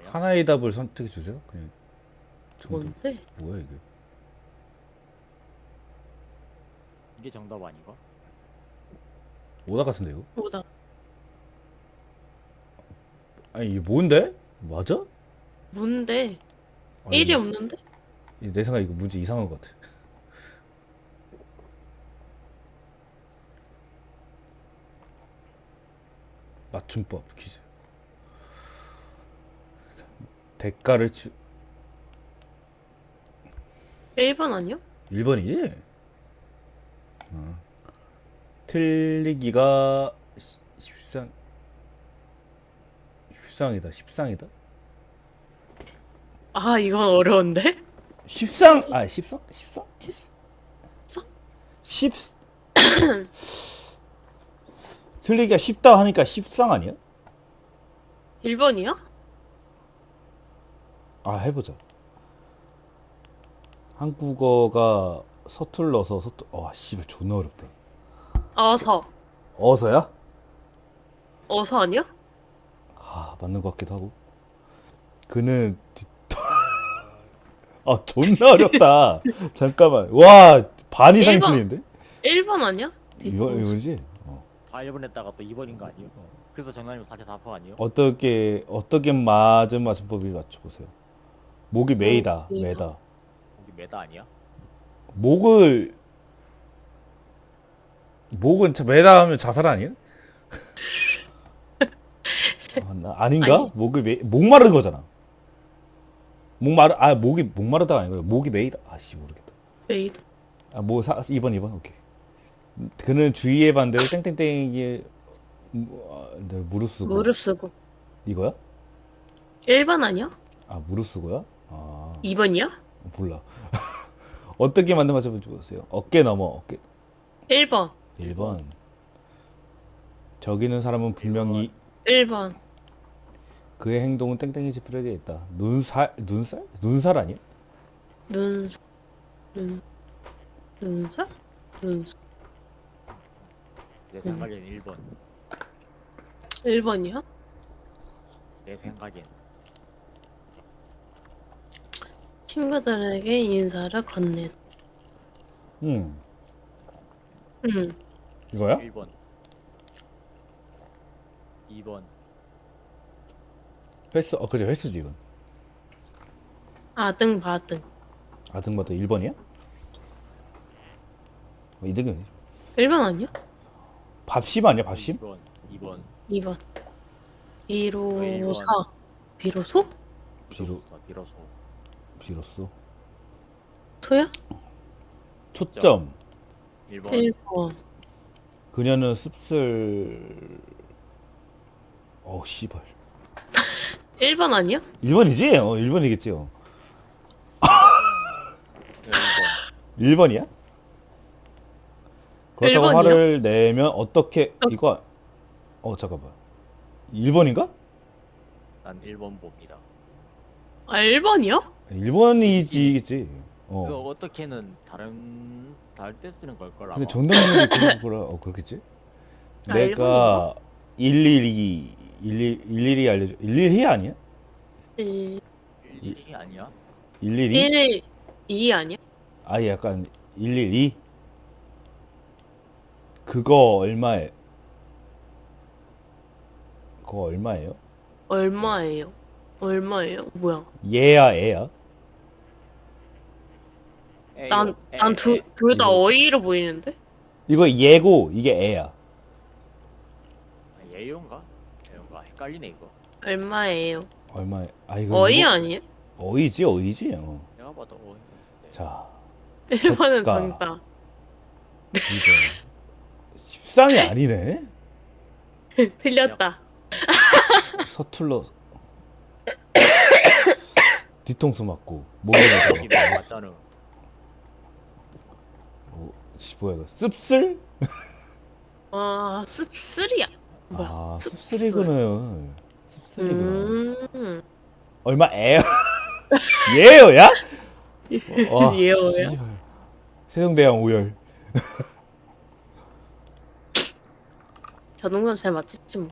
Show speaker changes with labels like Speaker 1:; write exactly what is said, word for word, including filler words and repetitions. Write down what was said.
Speaker 1: 아니야?
Speaker 2: 하나의 답을 선택해 주세요. 그냥 정답.
Speaker 3: 뭔데?
Speaker 2: 뭐야 이게?
Speaker 1: 이게 정답 아닌가?
Speaker 2: 오다 같은데 이거?
Speaker 3: 보다.
Speaker 2: 아니 이게 뭔데? 맞아?
Speaker 3: 뭔데?
Speaker 2: 아니,
Speaker 3: 일이 없는데?
Speaker 2: 내 생각에 이거 문제 이상한 것 같아. 맞춤법 퀴즈. 자, 대가를 치
Speaker 3: 일 번 아니야?
Speaker 2: 일 번이지? 어. 틀리기가 십상 십상이다. 십상이다.
Speaker 3: 아, 이건 어려운데?
Speaker 2: 십상 아 십상 십상 십 틀리기가 쉽다 하니까 십상 아니야?
Speaker 3: 일 번이야?
Speaker 2: 아 해보자. 한국어가 서툴러서 서툴 와 씨발 존나 어렵다.
Speaker 3: 어서.
Speaker 2: 어서야?
Speaker 3: 어서 아니야?
Speaker 2: 아 맞는 것 같기도 하고. 그는 뒤- 아 존나 어렵다. 잠깐만. 와 반 이상이
Speaker 3: 일 번.
Speaker 2: 틀리는데?
Speaker 3: 일 번 아니야?
Speaker 2: 이거 이거지? 어.
Speaker 1: 다 일 번 했다가 또 이 번인 거 아니에요? 그래서 정답이면 사실 사 퍼 아니에요?
Speaker 2: 어떻게 어떻게 맞은 맞춤법을 맞춰보세요. 목이 메이다.
Speaker 3: 메이다.
Speaker 2: 메다.
Speaker 1: 거기 메다 아니야?
Speaker 2: 목을 목은 자- 메다 하면 자살 아니야? 아, 나, 아닌가?
Speaker 3: 아니.
Speaker 2: 목을 메 목마른 거잖아. 목마르 아 목이 목마르다가 아니고 목이 메이다. 아씨 모르겠다.
Speaker 3: 메이드.
Speaker 2: 아뭐 이 번 이 번 오케이. 그는 주의의 반대로 땡땡땡이 무- 아, 네, 무릎 쓰고
Speaker 3: 무릎 쓰고.
Speaker 2: 이거야?
Speaker 3: 일 번 아니야?
Speaker 2: 아 무릎 쓰고야? 아
Speaker 3: 이 번이야?
Speaker 2: 몰라. 어떻게 만든 맞춰볼지 보세요. 어깨 넘어 어깨
Speaker 3: 일 번.
Speaker 2: 일 번. 저기는 사람은 분명히
Speaker 3: 일 번.
Speaker 2: 그의 행동은 땡땡이 지푸려져 있다. 눈살 눈살 눈살 아니야?
Speaker 3: 눈, 눈, 눈살? 눈,
Speaker 1: 내 생각엔 일 번.
Speaker 3: 일 번이야?
Speaker 1: 내 생각엔
Speaker 3: 친구들에게 인사를 건넨.
Speaker 2: 응.
Speaker 3: 응.
Speaker 2: 이거야?
Speaker 1: 일 번. 이 번.
Speaker 2: 횟수 어 그래 횟수지 이건.
Speaker 3: 아등 바등.
Speaker 2: 아등바도 일 번이야? 어, 이등이
Speaker 3: 일 번 아니야?
Speaker 2: 밥심 아니야 밥심?
Speaker 1: 이 번. 이 번.
Speaker 3: 이 번.
Speaker 1: 일 번.
Speaker 3: 비로사. 비로소?
Speaker 2: 비로
Speaker 1: 비로소.
Speaker 2: 비로소
Speaker 3: 소야?
Speaker 2: 초점.
Speaker 1: 일 번.
Speaker 3: 일 번.
Speaker 2: 그녀는 씁쓸 어 씨발
Speaker 3: 일 번 아니야?
Speaker 2: 일 번이지? 어 일 번이겠지. 어.
Speaker 1: 일 번.
Speaker 2: 일 번이야? 그렇다고
Speaker 3: 일 번이요?
Speaker 2: 화를 내면 어떻게 이거 어 잠깐만 일 번인가?
Speaker 1: 난 일 번 봅니다.
Speaker 3: 아, 일 번이요?
Speaker 2: 일 번이지겠지.
Speaker 1: 그거
Speaker 2: 어.
Speaker 1: 어떻게는 다른 다를 때 쓰는 걸 거라.
Speaker 2: 근데 정답률이 그런 거라 어 그렇겠지?
Speaker 3: 아,
Speaker 2: 내가 일일이 일일 일일이 알려줘. 일일이 아니야?
Speaker 3: 일,
Speaker 1: 일이 아니야?
Speaker 2: 일일이?
Speaker 3: 일, 이 아니야?
Speaker 2: 아예 약간 일일이 그거 얼마에 그거 얼마예요?
Speaker 3: 얼마예요? 얼마예요? 뭐야?
Speaker 2: 얘야 애야?
Speaker 1: 에요,
Speaker 3: 난,
Speaker 1: 에,
Speaker 3: 난 두,
Speaker 1: 에.
Speaker 3: 둘 다
Speaker 2: 이거-
Speaker 3: 어이로 보이는데?
Speaker 2: 이거 얘고 이게 애야.
Speaker 1: 아, 예요인가? 예요인가? 헷갈리네 이거.
Speaker 3: 얼마예요?
Speaker 2: 얼마에? 아 이거
Speaker 3: 어이
Speaker 2: 이거-
Speaker 3: 아니에요?
Speaker 2: 어이지 어이지. 어.
Speaker 1: 내가 봐도 어.
Speaker 2: 자
Speaker 3: 일 번은
Speaker 2: 그러니까.
Speaker 3: 정답.
Speaker 2: 이거 십상이 아니네.
Speaker 3: 틀렸다.
Speaker 2: 서툴러 뒤통수 맞고 목에
Speaker 1: 이게
Speaker 2: 맞고
Speaker 1: 맞잖아.
Speaker 2: 뭐, 씨, 뭐야 이거 씁쓸?
Speaker 3: 아, 씁쓸이야. 뭐야?
Speaker 2: 아
Speaker 3: 씁쓸.
Speaker 2: 씁쓸이구나. 씁쓸이구나.
Speaker 3: 음.
Speaker 2: 얼마 애야? 예요야? 와,
Speaker 3: 예요야?
Speaker 2: 씨발. 세종대왕 오열.
Speaker 3: 자동차 잘 맞췄지 뭐.